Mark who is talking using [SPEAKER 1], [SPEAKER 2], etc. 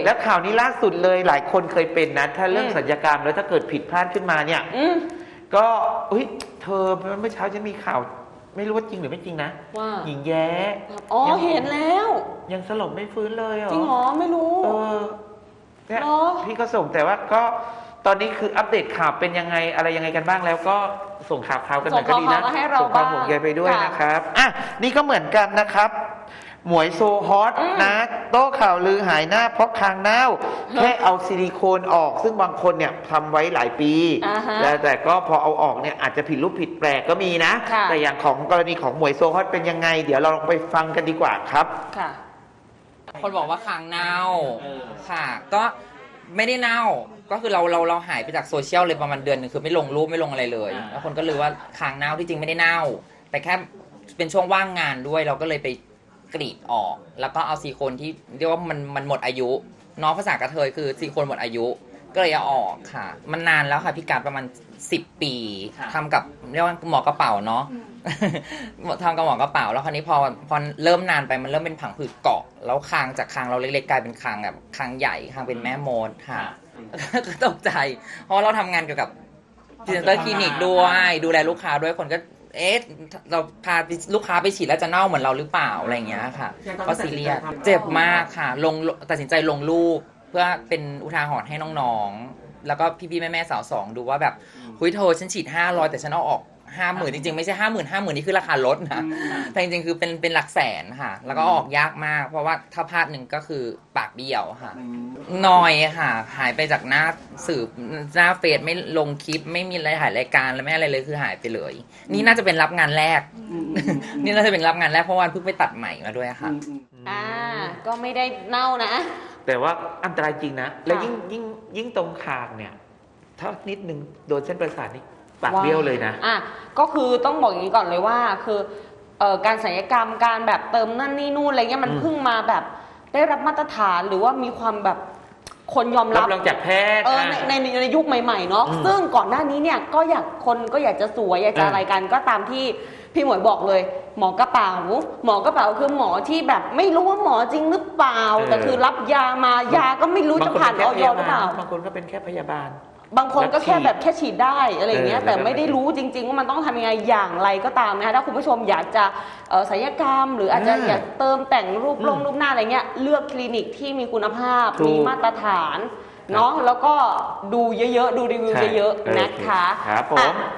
[SPEAKER 1] แล้วข่าวนี้ล่าสุดเลยหลายคนเคยเป็นนะถ้าเรื่องศัลยกรรมแล้วถ้าเกิดผิดพลาดขึ้นมาเนี่ยก็เธอเมื่อเช้าฉันมีข่าวไม่รู้ว่าจริงหรือไม่จริงนะ
[SPEAKER 2] ว่า
[SPEAKER 1] หญิงแย้
[SPEAKER 2] อ๋อเห็นแล้ว
[SPEAKER 1] ยังสลบไม่ฟื้นเลยเหรอ
[SPEAKER 2] จริงเหรอไม่รู้
[SPEAKER 1] เนี่ยพี่ก็ส่งแต่ว่าก็ตอนนี้คืออัปเดตข่าวเป็นยังไงอะไรยังไงกันบ้างแล้วก็ส่งข่าวกันหน่อยก็ดีนะส่งความห่วงใยไปด้วยนะครับนี่ก็เหมือนกันนะครับหมวยโซฮอตนะโต้ข่าวลือหายหน้าเพราะคางเน่าแค่เอาซิลิโคนออกซึ่งบางคนเนี่ยทำไว้หลายปีแต่ก็พอเอาออกเนี่ยอาจจะผิดรูปผิดแปลกก็มีนะแต่อย่างของกรณีของหมวยโซฮอตเป็นยังไงเดี๋ยวเราลองไปฟังกันดีกว่าครับ
[SPEAKER 2] ค่ะ
[SPEAKER 3] คนบอกว่าคางเน่าค่ะก็ไม่ได้เน่าก็คือเราหายไปจากโซเชียลเลยประมาณเดือนนึงคือไม่ลงรูปไม่ลงอะไรเลยแล้วคนก็เลยว่าคางเน่าที่จริงไม่ได้เน่าแต่แค่เป็นช่วงว่างงานด้วยเราก็เลยไปกรีดออกแล้วก็เอาซิลิโคนที่เรียกว่ามันหมดอายุน้องภาษากระเทยคือซิลิโคนหมดอายุก็เลยเอาออกค่ะมันนานแล้วค่ะพี่การประมาณ10 ปีทำกับเรียกว่าหมอกระเป๋าเนาะทำกับหมอกระเป๋าแล้วคราวนี้พอเริ่มนานไปมันเริ่มเป็นผังผืดเกาะแล้วคางจากคางเราเล็กๆกลายเป็นคางแบบคางใหญ่คางเป็นแม่มดค่ะก็ตกใจเพราะเราทำงานเกี่ยวกับพรีเซนเตอร์คลินิกด้วยดูแลลูกค้าด้วยคนก็เราพาลูกค้าไปฉีดแล้วจะเน่าเหมือนเราหรือเปล่าอะไรอย่างเงี้ยค่ะก็ซีเรียสเจ็บมากค่ะตัดสินใจลงรูปเพื่อเป็นอุทาหรณ์ให้น้องๆแล้วก็พี่ๆแม่ๆสาวสองดูว่าแบบคุยโทรฉันฉีด500แต่ฉันเอาออก50,000จริงๆไม่ใช่50,000นี่คือราคาลดนะแต่จริงๆคือเป็นหลักแสนค่ะแล้วก็ออกยากมากเพราะว่าถ้าพลาดหนึ่งก็คือปากเบี้ยวค่ะนอยค่ะหายไปจากหน้าสื่อหน้าเฟซไม่ลงคลิปไม่มีอะไรถ่ายรายการแล้วไม่อะไรเลยคือหายไปเลยนี่น่าจะเป็นรับงานแรกนี่น่าจะเป็นรับงานแรกเพราะวันเพิ่งไปตัดใหม่มาด้วยค่ะ
[SPEAKER 2] ก็ไม่ได้เน่านะ
[SPEAKER 1] แต่ว่าอันตรายจริงนะแล้วยิ่งตรงคางเนี่ยถ้านิดนึงโดนเส้นประสาทนี่ปากเบี้ยวเลยนะ
[SPEAKER 2] ก็คือต้องบอกอย่างนี้ก่อนเลยว่าคือการศัลยกรรมการแบบเติมนั่นนี่นู่นอะไรเงี้ยมันเพิ่งมาแบบได้รับมาตรฐานหรือว่ามีความแบบคนยอมรับ
[SPEAKER 1] จากแพทย์
[SPEAKER 2] ในยุคใหม่ๆเนาะซึ่งก่อนหน้านี้เนี่ยก็อยากจะสวยอยากจะอะไรกันก็ตามที่พี่หมวยบอกเลยหมอกระเป๋าคือหมอที่แบบไม่รู้ว่าหมอจริงหรือเปล่าแต่คือรับยามายาก็ไม่รู้จะผ่านออยหรือเปล่า
[SPEAKER 1] บางคนก็เป็นแค่พยาบาล
[SPEAKER 2] บางคนก็แค่ฉีดได้อะไรเงี้ยแต่ไม่ได้รู้จริงๆว่ามันต้องทำยังไงอย่างไรก็ตามนะคะถ้าคุณผู้ชมอยากจะศัลยกรรมหรืออาจจะอยากเติมแต่งรูปหน้าอะไรเงี้ยเลือกคลินิกที่มีคุณภาพมีมาตรฐานเนาะแล้วก็ดูเยอะๆดูรีวิวเยอะๆนะคะ
[SPEAKER 1] ครับผม